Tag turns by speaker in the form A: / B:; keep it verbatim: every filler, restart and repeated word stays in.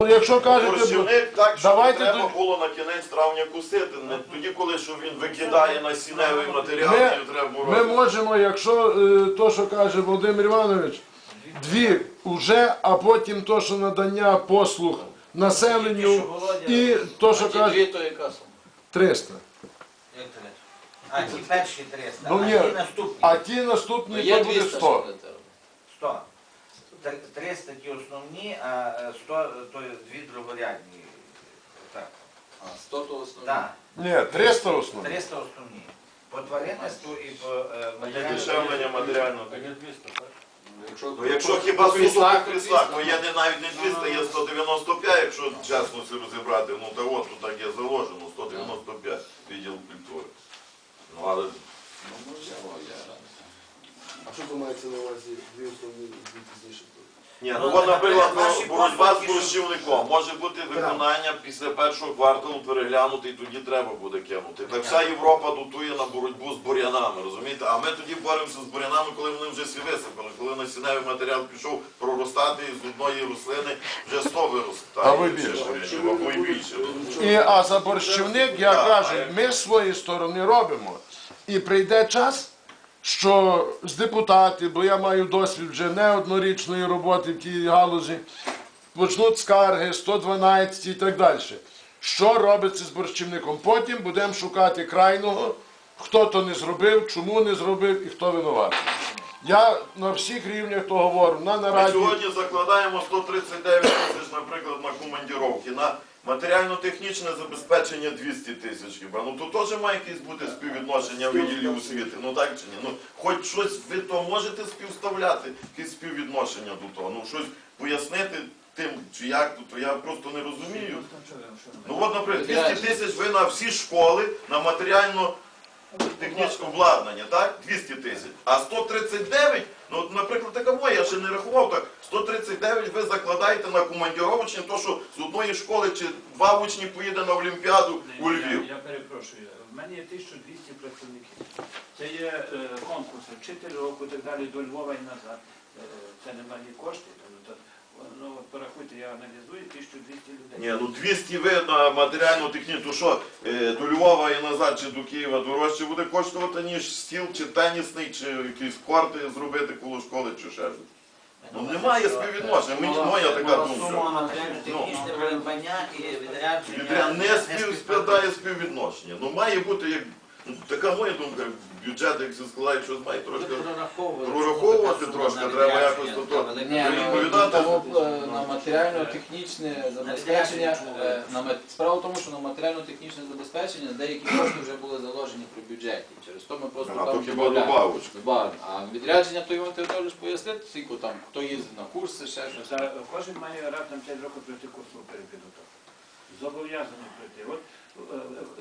A: Якщо кажете,
B: борщівник так, що
A: давайте
B: треба
A: тут-
B: було на кінець травня кусити. Не тоді, коли що він викидає насінневий матеріал,
A: Ми,
B: і треба
A: ми
B: морозити.
A: можемо, якщо е, то, що каже Володимир Іванович, дві вже, а потім то, що надання послуг населенню, і то, що каже
C: то яка сума?
A: триста.
D: Як це? А ті перші триста,
A: Ну,
D: а
A: ні.
D: ті наступні
A: А ті наступні
C: Є
A: то буде
C: двісті
A: сто.
D: сто. Тр- триста ті основні, а е, сто то дві другорядні. Так.
C: А, сто то основне.
D: Так,
A: Ні, триста основні.
D: триста основні. По тваринництву і по е, матеріальному.
B: Дешевлення матеріального.
C: Якщо,
B: Ну, якщо хіба суто по кріслах, то є не навіть не двісті, є сто дев'яносто п'ять, якщо чесно все розібрати, ну та от тут так є заложено, сто дев'яносто п'ять відділ культури. Ну, але
C: Ну, можливо, я радий.
E: А що ви маєте на увазі дві основні і дві пізніше?
B: ні,
D: Ну,
B: ну от, наприклад,
D: наші
B: боротьба з
D: послуги,
B: борщівником. Може бути виконання після першого кварталу переглянути, і тоді треба буде кинути. Так вся Європа дотує на боротьбу з бур'янами, розумієте? А ми тоді боремося з бур'янами, коли вони вже всі висипали, коли насінневий матеріал пішов проростати, і з одної рослини вже сто виростає.
A: А ви більше.
B: Або й більше.
A: І, а за борщівник, я кажу, ми з своєї сторони робимо. І прийде час, що з депутатів, бо я маю досвід вже не однорічної роботи в тій галузі, почнуть скарги, сто дванадцять і так далі. Що робиться з борщівником? Потім будемо шукати крайного, хто то не зробив, чому не зробив і хто винуватий. Я на всіх рівнях то говорю, на
B: Ми
A: нараді.
B: сьогодні закладаємо сто тридцять дев'ять тисяч, наприклад, на командіровки, на матеріально-технічне забезпечення двісті тисяч хіба. Ну то теж має якесь бути співвідношення виділів освіти, ну так чи ні? Ну хоч щось ви то можете співставляти, якесь співвідношення до того, ну щось пояснити тим, чи як, то я просто не розумію. Ну от, наприклад, двісті тисяч ви на всі школи, на матеріально технічне обладнання, так? двісті тисяч. А сто тридцять дев'ять, ну, от, наприклад, така моя, я ще не рахував так, сто тридцять дев'ять ви закладаєте на командіровочні, то що з одної школи чи два учні поїде на Олімпіаду у Львів.
F: Я, я перепрошую, в мене є тисяча двісті працівників. Це є е, конкурси, вчитель року і так далі, до Львова і назад. Е, це немає коштів. То, ну, порахуйте, я аналізую тисяча двісті людей.
B: Ні, ну двісті ви на матеріально-технічну, то що, е, до Львова і назад, чи до Києва дорожче буде коштувати, ніж стіл, чи тенісний, чи якісь корти зробити коло школи, чи ще щось. Ну немає співвідношення, мені моя така
D: Сума
B: думка.
D: матеріально-технічне придбання і відрядження.
B: Відряд не співспадає співвідношення. Ну має бути, як, ну, така моя думка, бюджет, як все складає, щось має трошки прораховувати трошки, треба якось до того.
C: Ні, ну,
B: Відповідати.
C: того, е, на матеріально-технічне забезпечення, е, на мат- справа в тому, що на матеріально-технічне забезпечення деякі кошти вже були заложені при бюджеті. Через то ми просто
B: А
C: там
B: то хіба
C: додаємо.
B: добавочку.
C: Добавимо. А відрядження, то Іван Теодорович пояснить, скільки там, хто їздить на курси, ще щось.
F: За- Кожен має раптом п'ять років пройти курсову перепідготовку. Зобов'язаний пройти. От, е,